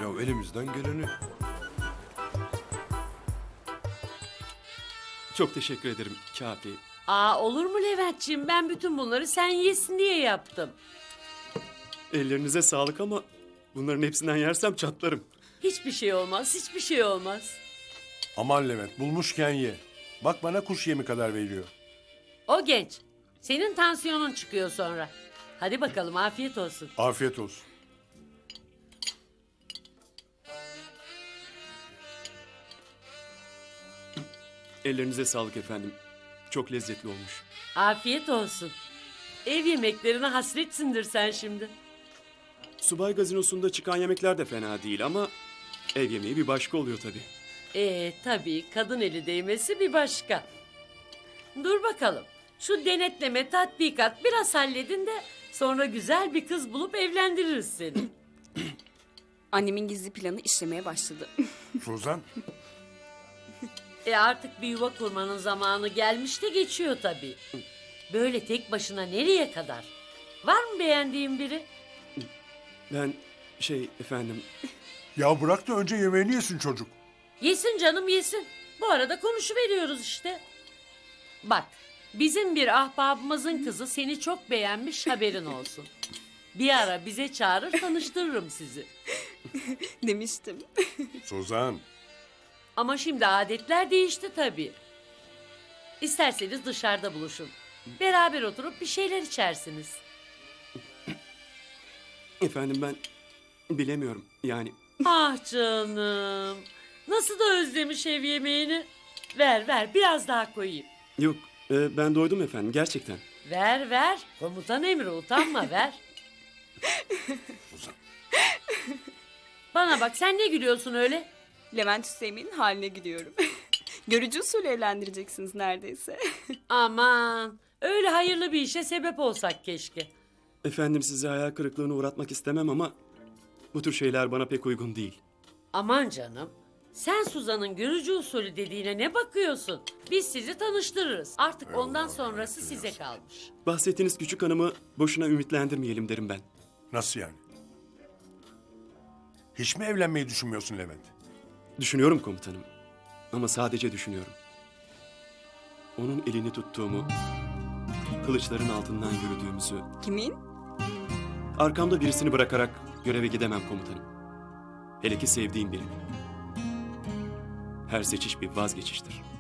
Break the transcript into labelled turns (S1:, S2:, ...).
S1: Ya elimizden geleni.
S2: Çok teşekkür ederim Kafi.
S3: Olur mu Leventciğim? Ben bütün bunları sen yesin diye yaptım.
S2: Ellerinize sağlık ama bunların hepsinden yersem çatlarım.
S3: Hiçbir şey olmaz, hiçbir şey olmaz.
S1: Aman Levent, bulmuşken ye. Bak bana kuş yemi kadar veriyor.
S3: O genç. Senin tansiyonun çıkıyor sonra. Hadi bakalım, afiyet olsun.
S1: Afiyet olsun.
S2: Ellerinize sağlık efendim. Çok lezzetli olmuş.
S3: Afiyet olsun. Ev yemeklerine hasretsindir sen şimdi.
S2: Subay gazinosunda çıkan yemekler de fena değil ama ev yemeği bir başka oluyor tabii.
S3: Tabii kadın eli değmesi bir başka. Dur bakalım. Şu denetleme, tatbikat biraz halledin de sonra güzel bir kız bulup evlendiririz seni.
S4: Annemin gizli planı işlemeye başladı.
S1: Suzan,
S3: Artık bir yuva kurmanın zamanı gelmiş de geçiyor tabii. Böyle tek başına nereye kadar? Var mı beğendiğin biri?
S2: Ben efendim
S1: ya bırak da önce yemeğini yesin çocuk.
S3: Yesin canım yesin. Bu arada konuşuveriyoruz işte. Bak, bizim bir ahbabımızın kızı seni çok beğenmiş, haberin olsun. Bir ara bize çağırır, tanıştırırım sizi.
S4: Demiştim.
S1: Suzan,
S3: Ama şimdi adetler değişti tabii. İsterseniz dışarıda buluşun. Beraber oturup bir şeyler içersiniz.
S2: efendim ben bilemiyorum yani.
S3: Ah canım. Nasıl da özlemiş ev yemeğini. Ver biraz daha koyayım.
S2: Yok ben doydum efendim gerçekten.
S3: Ver. Komutan emri, utanma, ver.
S1: Suzan.
S3: Bana bak, sen ne gülüyorsun öyle?
S4: Levent Hüseyin'in haline gidiyorum. Görücü usulü evlendireceksiniz neredeyse.
S3: Aman, öyle hayırlı bir işe sebep olsak keşke.
S2: Efendim sizi hayal kırıklığına uğratmak istemem ama bu tür şeyler bana pek uygun değil.
S3: Aman canım, sen Suzan'ın görücü usulü dediğine ne bakıyorsun? Biz sizi tanıştırırız. Artık ondan sonrası size kalmış.
S2: Bahsettiğiniz küçük hanımı boşuna ümitlendirmeyelim derim ben.
S1: Nasıl yani? Hiç mi evlenmeyi düşünmüyorsun Levent?
S2: Düşünüyorum komutanım. Ama sadece düşünüyorum. Onun elini tuttuğumu, kılıçların altından yürüdüğümüzü,
S4: Kimin?
S2: arkamda birisini bırakarak göreve gidemem komutanım. Hele ki sevdiğim birini. Her seçiş bir vazgeçiştir.